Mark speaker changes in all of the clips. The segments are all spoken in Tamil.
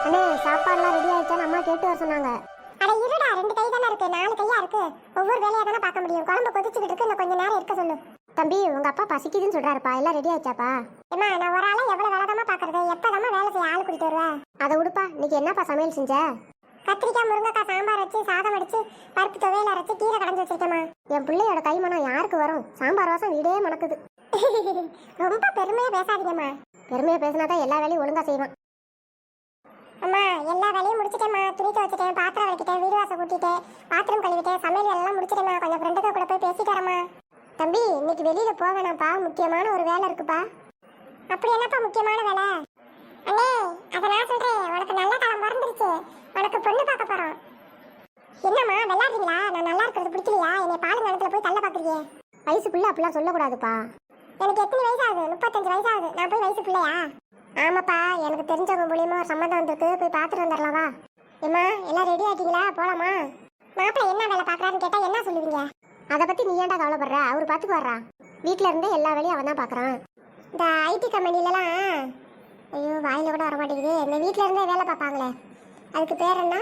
Speaker 1: அண்ணே சாப்பாடுலாம் ரெடி ஆயிடுச்சான்னு அம்மா கேட்டு வர சொன்னாங்க.
Speaker 2: அட இருடா, 2 கை தானே இருக்கு, 4 கையா இருக்கு. ஒவ்வொரு வேலையா தானே பார்க்க முடியும். குழம்பு கொதிச்சுக்கிட்டு இருக்கு, இன்னும் கொஞ்ச நேரம் இருக்க சொல்லு.
Speaker 1: தம்பி உங்க அப்பா பசிக்குதுன்னு சொல்றாருப்பா, எல்லாம் ரெடி ஆயிடுச்சாப்பா?
Speaker 2: ஏமா, நான் ஒரு ஆளா எவ்வளவு வேலைதாம்மா பாக்குறது? எப்பதாம்மா வேலை செய்ய ஆளு கூட்டிட்டு வருவேன்?
Speaker 1: அதை விடுப்பா, இன்னைக்கு என்னப்பா சமையல் செஞ்ச?
Speaker 2: கத்திரிக்காய் முருங்கைக்காய் சாம்பார் வச்சு, சாதம் அடிச்சு, பருப்பு துவையல் அரைச்சு, கீரை கடைஞ்சு வச்சிருக்கேம்மா.
Speaker 1: என் பிள்ளையோட கைமணம் யாருக்கு வரும்? சாம்பார் வாசம் வீடே மணக்குது.
Speaker 2: ரொம்ப பெருமையா பேசாதீங்கம்மா.
Speaker 1: பெருமையா பேசினாதான் எல்லா வேலையும் ஒழுங்கா செய்வான்.
Speaker 2: அம்மா, எல்லா வேலையும் முடிச்சிட்டேம்மா. துணி துவைச்சிட்டேன், பாத்திரம் வலிக்கிட்டேன், வீடு வாசல் கூட்டிட்டேன், பாத்திரம் கழுவிட்டேன், சமையல் எல்லாம் முடிச்சிட்டேம்மா. கொஞ்சம் ஃப்ரெண்டுக்கு கூட போய் பேசிட்டு வரேம்மா.
Speaker 1: தம்பி இன்னைக்கு வெளியில போவேணாப்பா, முக்கியமான ஒரு வேலை இருக்குப்பா.
Speaker 2: அப்படி என்னப்பா முக்கியமான வேலை? அண்ணே, அதை நான் சொல்றேன். உனக்கு நல்ல காலம் பிறந்துருச்சு. உனக்கு பொண்ணு பார்க்க போறோம். என்னம்மா விளையாடுறீங்களா? நான் நல்லா இருக்கிறது பிடிக்கலையா? என்னை பால் நேரத்துல போய் தள்ள பாக்குறீங்க.
Speaker 1: வயசு பிள்ளை அப்படிலாம் சொல்லக்கூடாதுப்பா.
Speaker 2: எனக்கு எத்தனை வயசு ஆகுது? 35 வயசு ஆகுது. நான் போய் வயசு பிள்ளையா?
Speaker 1: ஆமாப்பா, எனக்கு தெரிஞ்சவங்க மூலியமா ஒரு சம்மந்தம் வந்திருக்கு, போய் பார்த்துட்டு வந்துடலாமா?
Speaker 2: ஏம்மா, எல்லாம் ரெடி ஆகிட்டீங்களா? போலாமா? மாப்பிள்ளை என்ன வேலை பார்க்கறாருன்னு கேட்டா என்ன சொல்லுவீங்க?
Speaker 1: அதை பத்தி நீ ஏன்டா கவலைப்படுற? அவர் பார்த்துக்கு வர்றான். வீட்டுல இருந்தே எல்லா வேலையும் அவன் தான் பாக்குறான்.
Speaker 2: இந்த ஐடி கம்பெனிலலாம், ஐயோ வாயில கூட வர மாட்டேங்குது, இந்த வீட்டுல இருந்தே வேலை பார்ப்பாங்களே, அதுக்கு பேர் என்ன?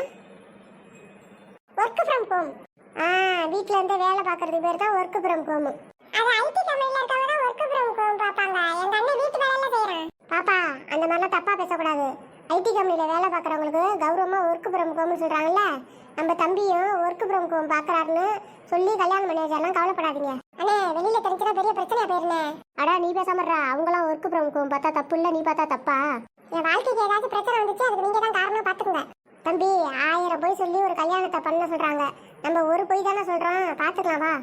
Speaker 2: Work from home. வீட்டுல இருந்தே வேலை பார்க்கறது பேர் தான் ஒர்க் ஃப்ரம் ஹோம். அது ஐடி கம்பெனில இருக்கவங்க தான் ஒர்க் ஃப்ரம் ஹோம் பார்ப்பாங்க. எங்க அண்ணன் வீட்டு வேலையில செய்யறான்.
Speaker 1: பாப்பா அந்த மாதிரிலாம் தப்பா பேசக்கூடாது. ஐடி கம்பெனில வேலை பார்க்குறவங்களுக்கு கௌரவமா ஒர்க் ஃப்ரம் ஹோம்னு சொல்றாங்கல்ல, நம்ம தம்பியும் ஒர்க் ஃப்ரம் ஹோம் பார்க்கறாருன்னு சொல்லி கல்யாணம் பண்ணி வச்சாலாம் கவலைப்படாதீங்க.
Speaker 2: அண்ணே, வெளியில தெரிஞ்சுனா பெரிய பிரச்சனையா போயிருந்தே.
Speaker 1: அடா நீ பேசாமறா, அவங்களாம் ஒர்க் ஃப்ரம் ஹோம் பார்த்தா தப்பு இல்லை, நீ பார்த்தா தப்பா?
Speaker 2: என் வாழ்க்கைக்கு ஏதாச்சும் பிரச்சனை வந்துச்சு, அதுக்கு நீங்க தான் காரணம், பாத்துக்கோங்க.
Speaker 1: தம்பி 1000 பொய் சொல்லி ஒரு கல்யாணத்தை பண்ண சொல்றாங்க, நம்ம ஒரு பொய் தானே சொல்றோம், பாத்துக்கலாம் வா.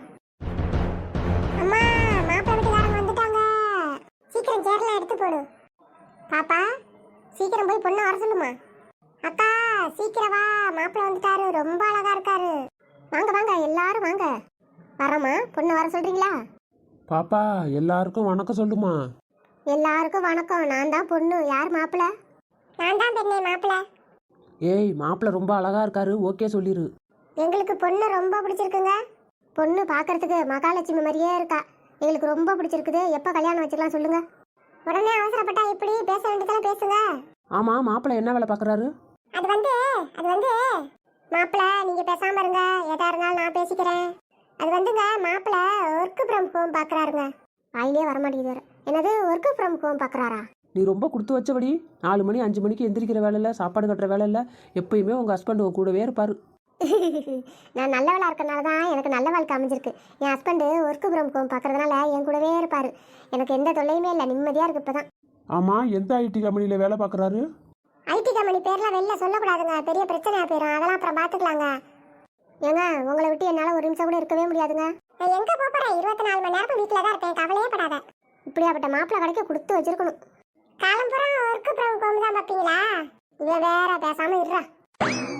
Speaker 2: அம்மா, மாப்பிள்ளை வீட்டுக்காரங்க வந்துட்டாங்க. சீக்கிரம் சேர்லாம் எடுத்து போடு.
Speaker 1: பாப்பா சீக்கிரம் போய் பொண்ணை வர சொல்லுமா.
Speaker 2: அக்கா சீக்கிரம் வா, மாப்பிள்ளை வந்துட்டாரு, ரொம்ப அழகா இருக்காரு.
Speaker 1: வாங்க வாங்க எல்லாரும் வாங்க. வரமா, பொண்ணு வர சொல்றீங்களா?
Speaker 3: பாப்பா எல்லாருக்கும் வணக்கம் சொல்லுமா.
Speaker 1: எல்லாருக்கும் வணக்கம். நான் தான் பொண்ணு. யார் மாப்பிள்ள?
Speaker 2: நான் தான் பெண்ணே மாப்பிள்ளை.
Speaker 3: ஏய், மாப்பிள்ளை ரொம்ப அழகா இருக்காரு, ஓகே சொல்லிரு.
Speaker 1: எங்களுக்கு பொண்ணு ரொம்ப பிடிச்சிருக்குங்க. பொண்ணு பார்க்கறதுக்கு மகாலட்சுமி மாதிரியே இருக்கா, எங்களுக்கு ரொம்ப பிடிச்சிருக்குது. எப்போ கல்யாணம் வச்சுக்கலாம் சொல்லுங்க.
Speaker 2: உடனே அவசரப்பட்டா இப்படி பேச வேண்டியதெல்லாம் பேசுங்க.
Speaker 3: ஆமா, மாப்பிள்ளை என்ன வேலை பார்க்கறாரு?
Speaker 2: அது வந்து மாப்பிள்ளை நீங்க பேசாம இருங்க, எதா இருந்தாலும் நான் பேசிக்கிறேன். அது வந்துங்க, மாப்பிள்ளை ஒர்க் ஃப்ரம் ஹோம் பார்க்கறாருங்க.
Speaker 1: வாயிலே வரமாட்டேங்குது. என்னது ஒர்க் ஃப்ரம் ஹோம் பார்க்குறாரா?
Speaker 3: நீ ரொம்ப கொடுத்து வச்சபடி 4 மணி 5 மணிக்கு எந்திரிக்கிற வேலை இல்லை, சாப்பாடு கட்டுற வேலை இல்லை, எப்பயுமே உங்கள் ஹஸ்பண்ட் உங்க கூடவே இருப்பாரு.
Speaker 1: நான் நல்லவளா இருக்கனால தான் எனக்கு நல்ல வாழ்க்கை அமைஞ்சிருக்கு. என் ஹஸ்பண்டு ஒர்க் ஃப்ரம் ஹோம் பார்க்கறதுனால என் கூடவே இருப்பாரு. எனக்கு எந்த தொல்லையுமே இல்லை, நிம்மதியாக இருக்கு இப்போதான்.
Speaker 3: ஆமா, எந்த ஐடி கம்பெனியில் வேலை பார்க்குறாரு?
Speaker 2: ஐடி கம்பெனி பேர்லாம் வெளில சொல்லக்கூடாதுங்க, பெரிய பிரச்சனையா போயிடும். அதெல்லாம் அப்புறம் பார்த்துக்கலாங்க.
Speaker 1: ஏங்க உங்களை விட்டு என்னால் ஒரு நிமிஷம் கூட இருக்கவே முடியாதுங்க.
Speaker 2: நான் எங்க போறேன்? 24 மணி நேரம் வீட்டில் தான் இருப்பேன், கவலையே படாத.
Speaker 1: இப்படியாப்பட்ட மாப்பிள்ளை கிடைக்க கொடுத்து வச்சிருக்கணும்.
Speaker 2: காலம்புறம் ஒர்க் ஃப்ரம் ஹோம் தான் பார்ப்பீங்களா?
Speaker 1: இவன் வேற பேசாம இருறா.